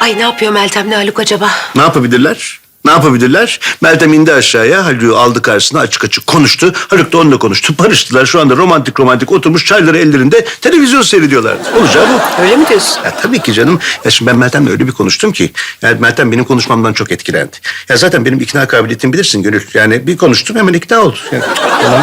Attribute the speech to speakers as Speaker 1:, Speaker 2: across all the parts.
Speaker 1: Ay ne yapıyor Meltem'le Haluk acaba?
Speaker 2: Ne yapabilirler? Ne yapabilirler? Meltem indi aşağıya, Haluk'u aldı karşısına, açık açık konuştu. Haluk da onunla konuştu. Barıştılar. Şu anda romantik romantik oturmuş çayları ellerinde televizyon seyrediyorlar. Olacağı bu.
Speaker 1: Öyle mi diyorsun?
Speaker 2: Ya tabii ki canım. Ya şimdi ben Meltem'le öyle bir konuştum ki. Yani Meltem benim konuşmamdan çok etkilendi. Ya zaten benim ikna kabiliyetimi bilirsin Gönül. Yani bir konuştum hemen ikna oldu. Yani, tamam.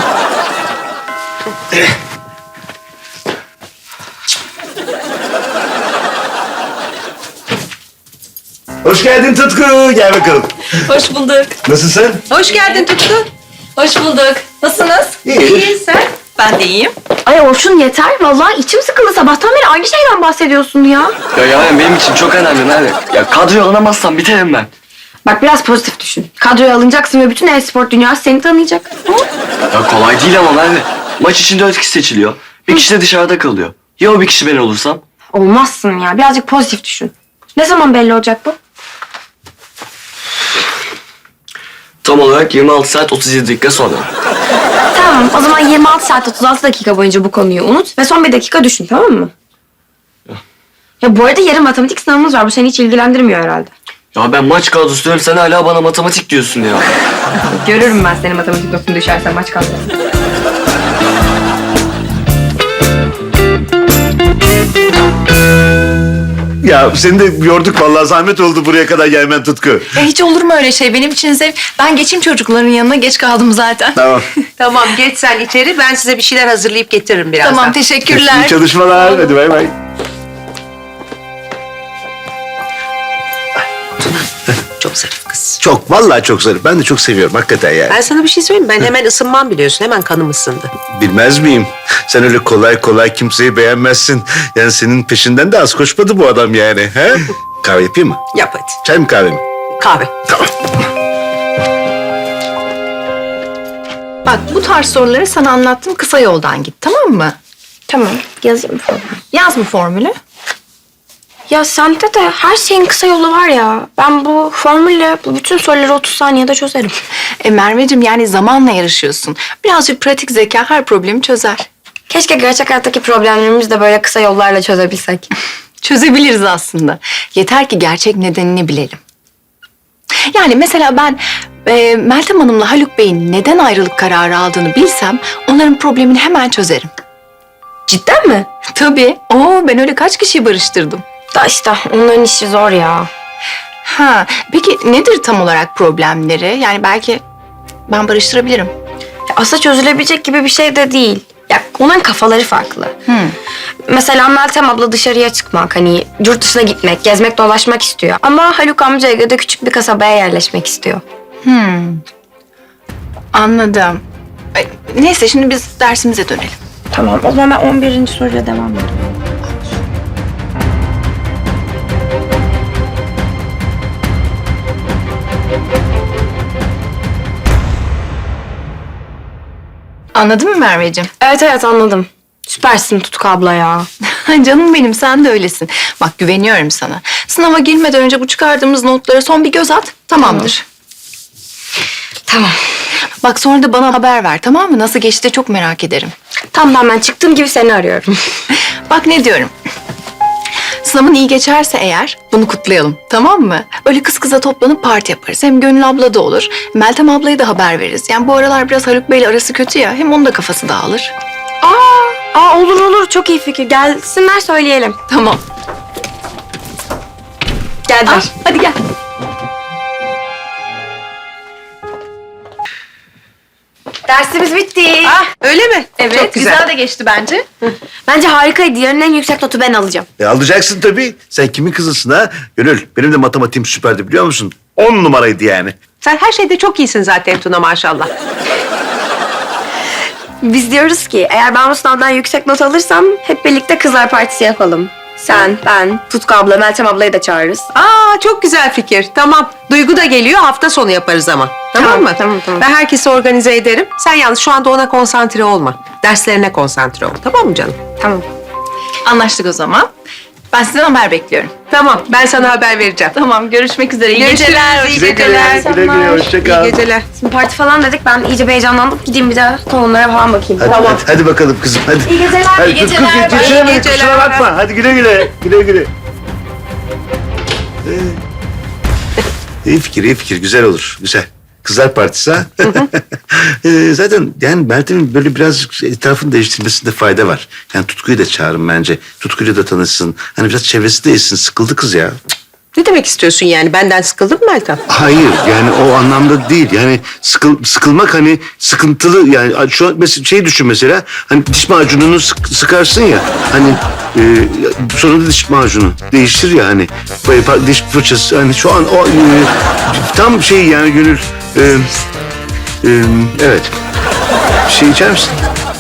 Speaker 2: Hoş geldin Tutku. Gel bakalım.
Speaker 3: Hoş bulduk.
Speaker 2: Nasılsın?
Speaker 1: Hoş geldin Tutku.
Speaker 3: Hoş bulduk. Nasılsınız?
Speaker 2: İyi.
Speaker 3: Sen? Ben de iyiyim.
Speaker 4: Ay Orçun yeter. Vallahi içim sıkıldı. Sabahtan beri aynı şeyden bahsediyorsun ya.
Speaker 5: Ya yani benim için çok önemli Merve. Ya kadroya alınamazsam biterim ben.
Speaker 4: Bak biraz pozitif düşün. Kadroya alınacaksın ve bütün e-spor dünyası seni tanıyacak. Hı?
Speaker 5: Ya kolay değil ama Merve. Maç için 4 kişi seçiliyor. Bir kişi de dışarıda kalıyor. Ya o bir kişi ben olursam?
Speaker 4: Olmazsın ya. Birazcık pozitif düşün. Ne zaman belli olacak bu?
Speaker 5: Tam olarak 26 saat 37 dakika sonra.
Speaker 4: Tamam. O zaman 26 saat 36 dakika boyunca bu konuyu unut ve son bir dakika düşün, tamam mı? Ya bu arada yarın matematik sınavımız var. Bu seni hiç ilgilendirmiyor herhalde.
Speaker 5: Ya ben maç kadrosu diyorum, sen hala bana matematik diyorsun ya.
Speaker 4: Görürüm ben seni matematik notunu düşersen maç kalsın.
Speaker 2: Ya seni de yorduk vallahi, zahmet oldu buraya kadar gelmen Tutku.
Speaker 3: Ya hiç olur mu öyle şey? Benim için zevk. Ben geçeyim çocukların yanına. Geç kaldım zaten.
Speaker 2: Tamam.
Speaker 1: Tamam geç sen içeri. Ben size bir şeyler hazırlayıp getiririm birazdan.
Speaker 3: Tamam, teşekkürler.
Speaker 2: İyi çalışmalar. Hadi bay bay.
Speaker 1: Çok zarif kız.
Speaker 2: Çok, vallahi çok zarif. Ben de çok seviyorum hakikaten yani.
Speaker 1: Ben sana bir şey söyleyeyim mi? Ben hemen ısınmam biliyorsun. Hemen kanım ısındı.
Speaker 2: Bilmez miyim? Sen öyle kolay kolay kimseyi beğenmezsin. Yani senin peşinden de az koşmadı bu adam yani. He? Kahve yapayım mı?
Speaker 1: Yap hadi.
Speaker 2: Çay mı kahve mi?
Speaker 1: Kahve.
Speaker 2: Tamam.
Speaker 3: Bak bu tarz soruları sana anlattım. Kısa yoldan git, tamam mı?
Speaker 4: Tamam. Yazayım formülü.
Speaker 3: Yaz mı formülü?
Speaker 4: Ya sende de her şeyin kısa yolu var ya. Ben bu formülle bu bütün soruları 30 saniyede çözerim.
Speaker 3: Merveciğim yani zamanla yarışıyorsun. Birazcık pratik zeka her problemi çözer.
Speaker 4: Keşke gerçek hayattaki problemlerimizi de böyle kısa yollarla çözebilsek.
Speaker 3: Çözebiliriz aslında. Yeter ki gerçek nedenini bilelim. Yani mesela ben Meltem Hanım'la Haluk Bey'in neden ayrılık kararı aldığını bilsem onların problemini hemen çözerim.
Speaker 4: Cidden mi?
Speaker 3: Tabii. Ben öyle kaç kişiyi barıştırdım.
Speaker 4: Da işte onların işi zor ya.
Speaker 3: Ha, peki nedir tam olarak problemleri? Yani belki ben barıştırabilirim.
Speaker 4: Ya aslında çözülebilecek gibi bir şey de değil. Ya onların kafaları farklı. Mesela Meltem abla dışarıya çıkmak, hani yurt dışına gitmek, gezmek, dolaşmak istiyor. Ama Haluk amca Ege'de küçük bir kasabaya yerleşmek istiyor.
Speaker 3: Anladım. Neyse şimdi biz dersimize dönelim.
Speaker 4: Tamam, o zaman ben 11. soruyla devam ediyorum.
Speaker 3: Anladın mı Merveciğim?
Speaker 4: Evet anladım. Süpersin Tutku abla ya.
Speaker 3: Canım benim sen de öylesin. Bak güveniyorum sana. Sınava girmeden önce bu çıkardığımız notlara son bir göz at. Tamamdır.
Speaker 4: Tamam.
Speaker 3: Bak sonra da bana haber ver, tamam mı? Nasıl geçti çok merak ederim.
Speaker 4: Tamam ben çıktığım gibi seni arıyorum.
Speaker 3: Bak ne diyorum. Sınavın iyi geçerse eğer bunu kutlayalım, tamam mı? Öyle kız kıza toplanıp parti yaparız. Hem Gönül abla da olur. Meltem ablaya da haber veririz. Yani bu aralar biraz Haluk Bey'le arası kötü ya. Hem onun da kafası dağılır.
Speaker 4: Olur çok iyi fikir. Gelsinler söyleyelim.
Speaker 3: Tamam.
Speaker 4: Geldiler.
Speaker 3: Hadi gel.
Speaker 4: Dersimiz bitti.
Speaker 1: Öyle mi?
Speaker 3: Evet,
Speaker 1: Çok
Speaker 3: güzel de geçti bence.
Speaker 4: Bence harikaydı. Yarın en yüksek notu ben alacağım.
Speaker 2: Alacaksın tabii. Sen kimin kızısın ha? Gönül, benim de matematiğim süperdi biliyor musun? 10 numaraydı yani.
Speaker 1: Sen her şeyde çok iyisin zaten Tuna maşallah.
Speaker 4: Biz diyoruz ki eğer ben bu sınavdan yüksek not alırsam hep birlikte kızlar partisi yapalım. Sen, ben, Tutku abla, Meltem ablayı da çağırırız.
Speaker 1: Çok güzel fikir. Tamam. Duygu da geliyor. Hafta sonu yaparız ama. Tamam mı?
Speaker 4: Tamam.
Speaker 1: Ben herkesi organize ederim. Sen yalnız şu anda ona konsantre olma. Derslerine konsantre ol. Tamam mı canım?
Speaker 4: Tamam.
Speaker 3: Anlaştık o zaman. Ben sizden haber bekliyorum.
Speaker 1: Tamam. Ben sana haber vereceğim.
Speaker 3: Tamam, görüşmek üzere. İyi
Speaker 1: Görüşürüz,
Speaker 3: geceler.
Speaker 1: iyi
Speaker 2: Güle güle, güle güle, hoşça kal.
Speaker 1: İyi geceler.
Speaker 4: Şimdi parti falan dedik. Ben iyice bir heyecanlandım. Gideyim bir de konulara falan bakayım.
Speaker 2: Hadi bakalım kızım hadi.
Speaker 4: İyi geceler.
Speaker 2: Hadi,
Speaker 4: İyi
Speaker 2: Tutku,
Speaker 4: geceler.
Speaker 2: geçiremedik,
Speaker 1: İyi geceler.
Speaker 2: kusura bakma. Hadi güle güle. Güle güle. İyi fikir, iyi fikir. Güzel olur. Güzel. Kızlar partisi ha? Zaten yani Meltem'in böyle biraz etrafını değiştirmesinde fayda var. Yani Tutku'yu da çağırın bence. Tutku'yla da tanışsın. Hani biraz çevresi değilsin. Sıkıldı kız ya.
Speaker 1: Ne demek istiyorsun yani? Benden sıkıldın mı Meltem?
Speaker 2: Hayır yani o anlamda değil. Yani sıkılmak hani sıkıntılı yani şu an mesela şey düşün mesela hani diş macununu sıkarsın ya hani sonra da diş macunu değiştir ya hani diş fırçası hani şu an o tam şey yani Gönül evet bir şey içer misin?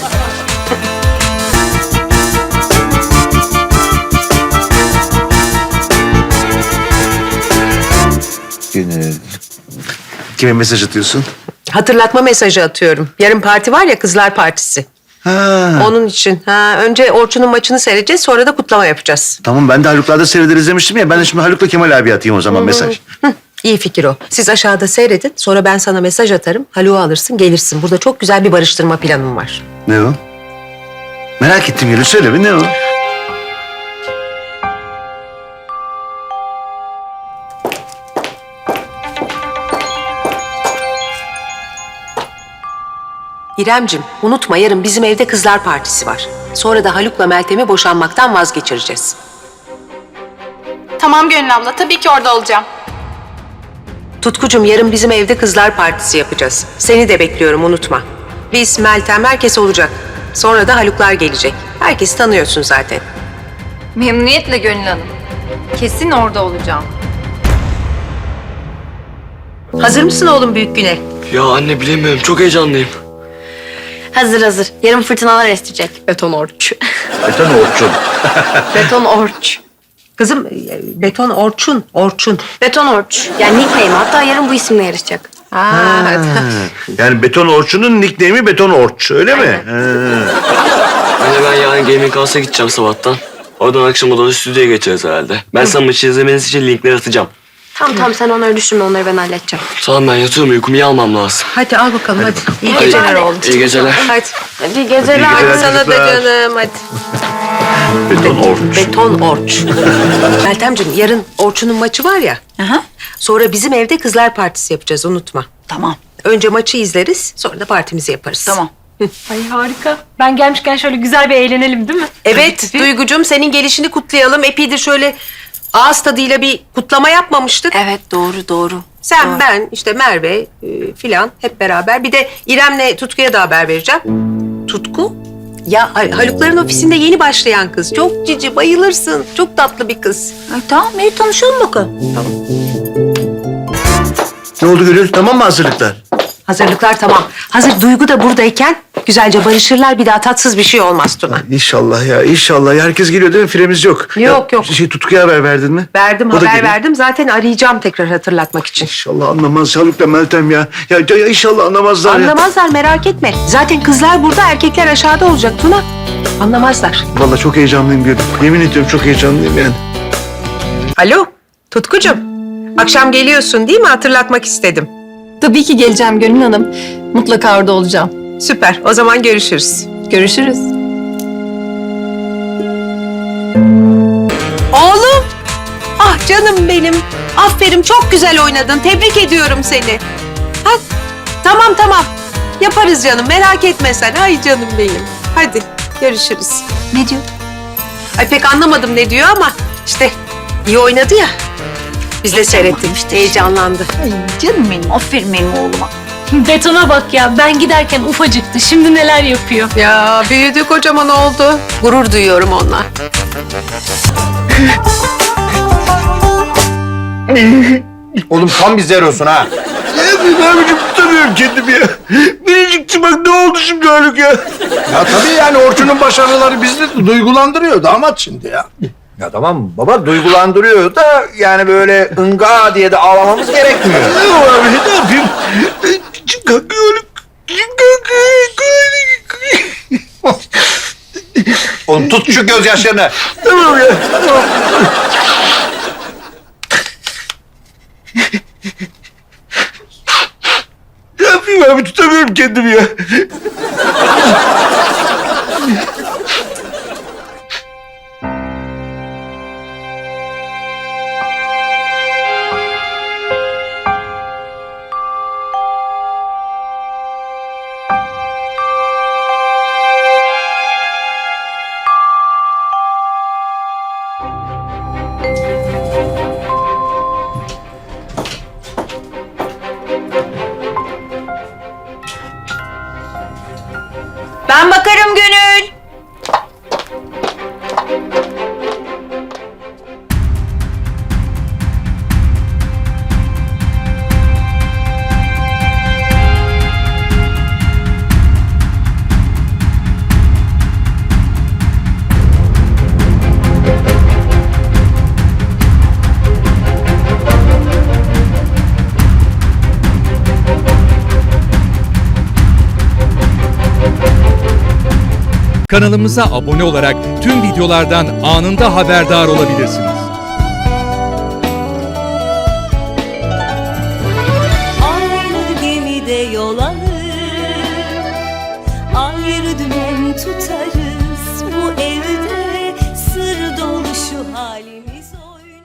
Speaker 2: Gönül. Kime mesaj atıyorsun?
Speaker 1: Hatırlatma mesajı atıyorum. Yarın parti var ya, kızlar partisi.
Speaker 2: Ha.
Speaker 1: Onun için. Önce Orçun'un maçını seyredeceğiz, sonra da kutlama yapacağız.
Speaker 2: Tamam ben de Haluk'larda seyrederiz demiştim ya. Ben de şimdi Haluk'la Kemal abi atayım o zaman mesaj.
Speaker 1: İyi fikir o. Siz aşağıda seyredin, sonra ben sana mesaj atarım. Haluk'u alırsın, gelirsin. Burada çok güzel bir barıştırma planım var.
Speaker 2: Ne o? Merak ettim Gönül söyle bir ne o?
Speaker 1: İremcim, unutma yarın bizim evde kızlar partisi var. Sonra da Haluk'la Meltem'i boşanmaktan vazgeçireceğiz.
Speaker 3: Tamam Gönül abla, tabii ki orada olacağım.
Speaker 1: Tutkucum, yarın bizim evde kızlar partisi yapacağız. Seni de bekliyorum, unutma. Biz, Meltem, herkes olacak. Sonra da Haluklar gelecek. Herkesi tanıyorsun zaten.
Speaker 6: Memnuniyetle Gönül Hanım. Kesin orada olacağım.
Speaker 1: Hazır mısın oğlum büyük güne?
Speaker 5: Ya anne bilemiyorum. Çok heyecanlıyım.
Speaker 4: Hazır hazır. Yarın fırtınalar esecek. Beton orç.
Speaker 2: Beton Orçun.
Speaker 4: Beton orç.
Speaker 1: Kızım, beton Orçun, Orçun.
Speaker 4: Beton orç. Yani nickname. Hatta yarın bu isimle yarışacak.
Speaker 2: Yani Beton Orçun'un nickname'i Beton Orç öyle mi? Ha.
Speaker 5: Anne ben yarın Gaming House'a gideceğim sabahtan. Oradan akşama doğru stüdyoya geçeriz herhalde. Ben sana maçı izlemeniz için linkleri atacağım.
Speaker 4: Tamam sen onları düşünme. Onları ben halledeceğim.
Speaker 5: Tamam ben yatıyorum. Uykumu iyi almam lazım.
Speaker 1: Hadi al bakalım hadi. İyi
Speaker 5: Hadi.
Speaker 1: geceler oğlum.
Speaker 5: İyi geceler.
Speaker 1: Hadi.
Speaker 4: Hadi geceler.
Speaker 1: Hadi sana da
Speaker 2: çocuklar.
Speaker 1: canım hadi.
Speaker 2: Beton Orç.
Speaker 1: Beton Orç. Meltemciğim, yarın Orçun'un maçı var ya. Sonra bizim evde kızlar partisi yapacağız, unutma.
Speaker 7: Tamam,
Speaker 1: Önce maçı izleriz, sonra da partimizi yaparız.
Speaker 7: tamam.
Speaker 6: Ay harika. Ben gelmişken şöyle güzel bir eğlenelim değil mi?
Speaker 1: Evet Duygucuğum, senin gelişini kutlayalım. Epeydir şöyle ağız tadıyla bir kutlama yapmamıştık.
Speaker 7: Evet, doğru.
Speaker 1: Sen, ben, işte Merve filan hep beraber. Bir de İrem'le Tutku'ya da haber vereceğim. Tutku? Ya Halukların ofisinde yeni başlayan kız. Çok cici, bayılırsın. Çok tatlı bir kız.
Speaker 7: Ay, tamam, iyi tanışalım bakalım.
Speaker 2: Ne oldu Gönül? Tamam mı hazırlıklar?
Speaker 1: Hazırlıklar tamam. Hazır Duygu da buradayken güzelce barışırlar. Bir daha tatsız bir şey olmaz Tuna.
Speaker 2: İnşallah ya inşallah. Herkes geliyor değil mi? Firemiz yok.
Speaker 1: Yok, yok.
Speaker 2: Tutku'ya haber verdin mi?
Speaker 1: Verdim,
Speaker 2: O da
Speaker 1: haber
Speaker 2: geliyor.
Speaker 1: verdim. Zaten arayacağım tekrar hatırlatmak için.
Speaker 2: İnşallah anlamaz Haluk'la Meltem ya. Ya inşallah anlamazlar ya.
Speaker 1: Anlamazlar, merak etme. Zaten kızlar burada, erkekler aşağıda olacak Tuna. Anlamazlar.
Speaker 2: Vallahi çok heyecanlıyım Gönül. Yemin ediyorum çok heyecanlıyım yani.
Speaker 1: Alo, Tutkucuğum. Akşam geliyorsun değil mi? Hatırlatmak istedim.
Speaker 3: Tabii ki geleceğim Gönül Hanım. Mutlaka orada olacağım.
Speaker 1: Süper. O zaman görüşürüz.
Speaker 3: Görüşürüz.
Speaker 1: Oğlum. Ah canım benim. Aferin, çok güzel oynadın. Tebrik ediyorum seni. Hadi. Tamam. Yaparız canım. Merak etme sen. Ay canım benim. Hadi görüşürüz.
Speaker 7: Ne diyor?
Speaker 1: Ay pek anlamadım ne diyor ama işte iyi oynadı ya. Biz de seyrettik.
Speaker 7: işte.
Speaker 1: Heyecanlandı.
Speaker 7: Ay canım benim, aferin benim oğluma.
Speaker 6: Betona bak ya. Ben giderken ufacıktı. Şimdi neler yapıyor.
Speaker 1: Ya büyüdü, kocaman oldu. Gurur duyuyorum onunla.
Speaker 8: Oğlum tam bir zerosun ha.
Speaker 2: Ne biçim tutamıyorum kendimi ya. Biricikçi bak ne oldu şimdi Haluk ya.
Speaker 8: Ya tabii yani Orçun'un başarıları bizi de duygulandırıyor damat şimdi ya. Ya tamam baba duygulandırıyor da yani böyle ınga diye de ağlamamız gerekmiyor.
Speaker 2: Ne var abi ne yapayım? Kalk Haluk.
Speaker 8: Oğlum tut şu gözyaşlarını.
Speaker 2: Tamam ya. Tamam. Ne yapayım abi tutamıyorum kendimi ya.
Speaker 9: Kanalımıza abone olarak tüm videolardan anında haberdar olabilirsiniz.
Speaker 10: Aynı gemide yol alır, ayrı dümen tutarız. Bu evde